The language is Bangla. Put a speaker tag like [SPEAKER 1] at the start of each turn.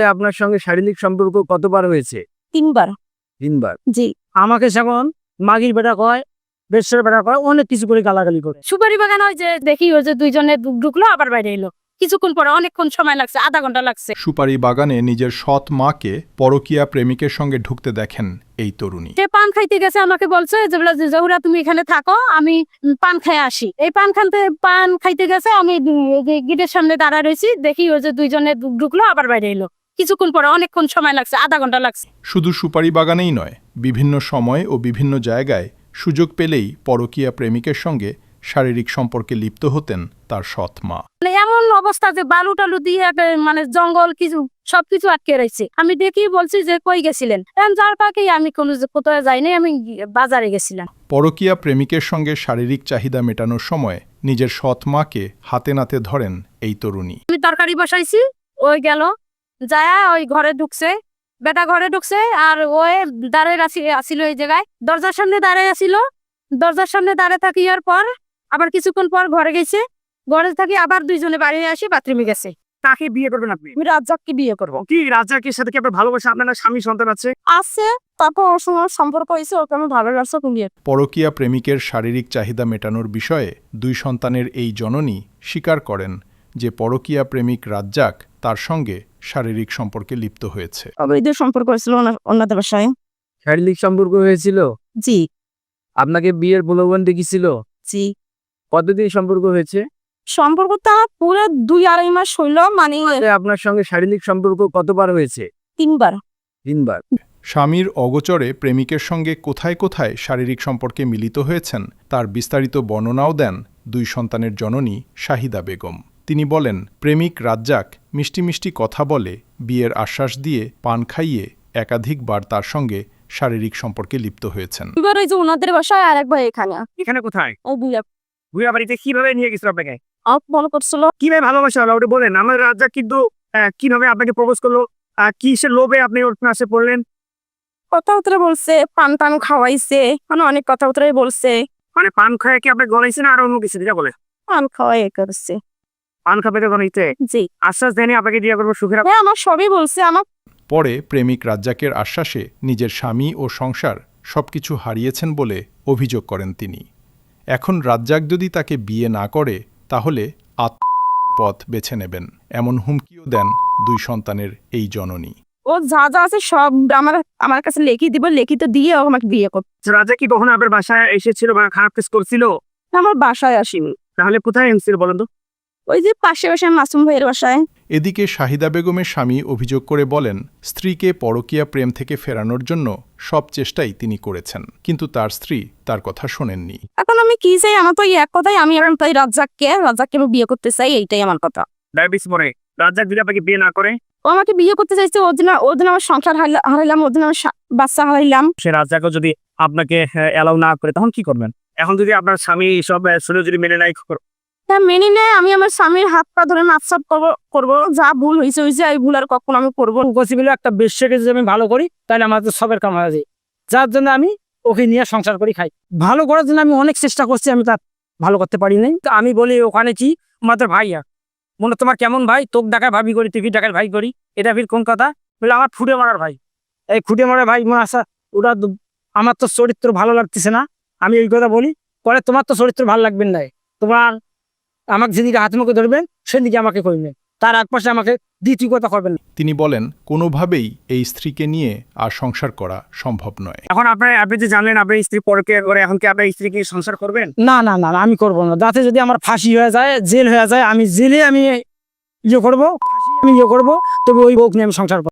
[SPEAKER 1] আপনার সঙ্গে শারীরিক সম্পর্ক কতবার হয়েছে?
[SPEAKER 2] 3 বার।
[SPEAKER 1] 3 বার।
[SPEAKER 2] জি।
[SPEAKER 3] আমাকে যখন মাগির বেটা কয়, বেশের বেটা কয়, অনেক কিছু করে গালাগালি করে।
[SPEAKER 2] সুপারি বাগান হয় যে দেখি ওই যে দুইজনে ঢুকলো আবার বাইরে এলো, কিছুক্ষণ পরে অনেকক্ষণ সময় লাগছে, আধা ঘন্টা লাগছে।
[SPEAKER 4] সুপারি বাগানে নিজের সৎ মাকে পরকীয়া প্রেমিকের সঙ্গে ঢুকতে দেখেন এই তরুণী।
[SPEAKER 2] সে পান খাইতে গেছে, আমাকে বলছে যে জহুরা তুমি এখানে থাকো, আমি পান খেয়ে আসি। এই পান খাইতে গেছে, আমি গেটের সামনে দাঁড়ায় রয়েছি, দেখি ওই যে দুইজনে ঢুকলো আবার বাইরে এলো, কিছুক্ষণ পরে অনেকক্ষণ সময় লাগছে, আধা ঘন্টা লাগছে।
[SPEAKER 4] শুধু সুপারি বাগানেই নয়, বিভিন্ন সময় ও বিভিন্ন জায়গায় সুযোগ পেলেই পরকীয়া প্রেমিকের সঙ্গে শারীরিক সম্পর্কে লিপ্ত হতেন তার সৎ মা।
[SPEAKER 2] এমন অবস্থা যে বালু টালু দিয়ে মানে জঙ্গল কিছু সবকিছু আটকে রয়েছে। আমি দেখি বলছি যে কই গেছিলেন, যার পাকেই আমি কোনো কোথায় যাইনি, আমি বাজারে গেছিলাম।
[SPEAKER 4] পরকীয়া প্রেমিকের সঙ্গে শারীরিক চাহিদা মেটানোর সময় নিজের সৎ মাকে হাতে নাতে ধরেন এই তরুণী।
[SPEAKER 2] আমি তরকারি বসাইছি, ওই গেল যায় ওই ঘরে ঢুকছে, বেটা ঘরে ঢুকছে, আর ওই দাঁড়িয়ে আসিল এই জায়গায়, দরজার সামনে দাঁড়িয়ে আসিল। দরজার সামনে দাঁড়িয়ে থাকিয়ার পর আবার কিছুক্ষণ পর ঘরে গেছে, ঘরে থাকি আবার দুইজনে বাড়ি আসি, বাথরুমে গেছে।
[SPEAKER 3] কাকে বিয়ে করবেন আপনি?
[SPEAKER 2] আমি রাজ্জাককে বিয়ে করবো।
[SPEAKER 3] কি রাজ্জাকের সাথে কি আপনার ভালোবাসা, আপনার স্বামী সন্তান আছে?
[SPEAKER 2] আছে, তারপর ওর সঙ্গে সম্পর্ক হয়েছে, ওকে আমি ভালো লাগছে, বিয়ে।
[SPEAKER 4] পরকীয়া প্রেমিকের শারীরিক চাহিদা মেটানোর বিষয়ে 2 সন্তানের এই জননী স্বীকার করেন যে পরকীয়া প্রেমিক রাজ্জাক তার সঙ্গে শারীরিক সম্পর্কে লিপ্ত হয়েছে।
[SPEAKER 2] অবৈধ সম্পর্ক হয়েছিল ওনাদের বাসায়।
[SPEAKER 1] শারীরিক সম্পর্ক হয়েছিল?
[SPEAKER 2] জি।
[SPEAKER 1] আপনাকে বিয়ের প্রলোভন দেখিয়েছিল?
[SPEAKER 2] জি।
[SPEAKER 1] কতদিন সম্পর্ক হয়েছে?
[SPEAKER 2] সম্পর্কটা পুরো 2-2.5 মাস হইল। মানে
[SPEAKER 1] আপনার সঙ্গে শারীরিক সম্পর্ক কতবার হয়েছে?
[SPEAKER 2] 3 বার।
[SPEAKER 1] 3 বার।
[SPEAKER 4] স্বামীর অগোচরে প্রেমিকের সঙ্গে কোথায় কোথায় শারীরিক সম্পর্কে মিলিত হয়েছেন তার বিস্তারিত বর্ণনাও দেন 2 সন্তানের জননী শাহিদা বেগম। তিনি বলেন, প্রেমিক রাজ্জাক মিষ্টি মিষ্টি কথা বলে, বিয়ের আশ্বাস দিয়ে, পান খাইয়ে একাধিকবার তার সঙ্গে শারীরিক সম্পর্কে লিপ্ত হয়েছেন।
[SPEAKER 2] এবার ওই যে ওনাদের বাসায়, আর একবার এখানে।
[SPEAKER 3] এখানে কোথায়?
[SPEAKER 2] ও
[SPEAKER 3] ভুয়া বাড়িতে কিভাবে নিয়ে গেছিল আপনাকে?
[SPEAKER 2] মনে করছিল।
[SPEAKER 3] কিভাবে ভালোবাসা হলো ওটা বলেন। আমার রাজ্জাক কিন্তু কিভাবে আপনাকে প্রপোজ করলো, কিসের লোভে আপনি ওর কাছে পড়লেন?
[SPEAKER 2] কথাবার্তা বলছে, পান টান খাওয়াইছে, মানে অনেক কথাবার্তাই বলছে।
[SPEAKER 3] মানে পান খায় কি আপনি গলাইছে না আর অন্য কিছু যেটা বলে?
[SPEAKER 2] পান খাওয়াই করছে।
[SPEAKER 3] পান খাবে গলাইতে?
[SPEAKER 2] জি।
[SPEAKER 3] আশ্বাস দেয়নি আপনাকে বিয়ে করবো সুখের?
[SPEAKER 2] হ্যাঁ, আমার সবই বলছে। আমার
[SPEAKER 4] পরে প্রেমিক রাজ্জাকের আশ্বাসে নিজের স্বামী ও সংসার সবকিছু হারিয়েছেন বলে অভিযোগ করেন তিনি। এখন রাজ্জাক যদি তাকে বিয়ে না করে তাহলে পথ বেছে নেবেন, এমন হুমকিও দেন 2 সন্তানের এই জননী।
[SPEAKER 2] ও যা যা আছে সব আমার কাছে লিখিত দিব, লিখিত দিয়ে ও আমাকে বিয়ে করবে।
[SPEAKER 3] রাজ্জাক কি কখনো আপনার বাসায় এসেছিল বা খারাপ কাজ করছিল?
[SPEAKER 2] আমার বাসায় আসিনি।
[SPEAKER 3] তাহলে কোথায় এসেছিল বলেন তো?
[SPEAKER 2] ওই যে পাশে মাসুম ভাইয়ের বাসায়।
[SPEAKER 4] এদিকে শাহিদা বেগমের স্বামী অভিযোগ করে বলেন, স্ত্রীকে পরকীয়া প্রেম থেকে ফেরানোর জন্য সব চেষ্টাই তিনি করেছেন, কিন্তু তার স্ত্রী তার কথা শোনেননি।
[SPEAKER 2] এখন আমি কি চাই? আমার তো এক কথাই, আমি এখন তাই রাজ্জাককে আমি বিয়ে করতে চাই, এইটাই আমার কথা।
[SPEAKER 3] ডায়াবেটিস মরে রাজ্জাক যদি আপনাকে বিয়ে না করে?
[SPEAKER 2] ও আমাকে বিয়ে করতে চাইছে, ওর দিন আমার সংসার হারাইলাম, ওর দিন আমার বাচ্চা হারাইলাম।
[SPEAKER 3] সে রাজ্জাকও যদি আপনাকে অ্যালাউ না করে তখন কি করবেন? এখন যদি আপনার স্বামী সব শুনে যদি মেনে নাই,
[SPEAKER 2] হ্যাঁ মেনে নেয়, আমি আমার স্বামীর হাত পা ধরে মাপসাপ করবো, যা ভুল হয়েছে এই ভুল আর কখনো আমি করবো।
[SPEAKER 3] পসিবল একটা বেশ্যাকে যদি আমি ভালো করি তাহলে আমার তো সবের কাম হয়ে যায়, যার জন্য আমি ওকে নিয়ে সংসার করি খাই। ভালো করার জন্য আমি অনেক চেষ্টা করছি, আমি তার ভালো করতে পারি নাই। তো আমি বলি ওখানে কি আমাদের ভাইয়া মনে তোমার কেমন ভাই, তোকে ডাকায় ভাবি করি, তুই ডাকায় ভাই করি, এটা ফির কোন কথা? বলে আমার ফুটে মারার ভাই, এই ফুটে মারার ভাই মনে আসা ওটা আমার তো চরিত্র ভালো লাগতেছে না। আমি এই কথা বলি, পরে তোমার তো চরিত্র ভালো লাগবে না, তোমার আমাকে যেদিকে হাত মুখে ধরবেন সেদিকে আমাকে করবেন, তার এক পাশে আমাকে দ্বিতীয় কথা করবেন।
[SPEAKER 4] তিনি বলেন, কোনোভাবেই এই স্ত্রীকে নিয়ে আর সংসার করা সম্ভব নয়।
[SPEAKER 3] এখন আপনি যে জানলেন আপনার স্ত্রী পরকীয়া করে, এখন কি আপনার স্ত্রীকে সংসার করবেন?
[SPEAKER 5] না না না, আমি করবো না। যাতে যদি আমার ফাঁসি হয়ে যায়, জেল হয়ে যায়, আমি জেলে আমি ইয়ে করবো, ফাঁসি আমি ইয়ে করবো, তবে ওই বউকে নিয়ে আমি সংসার করবো।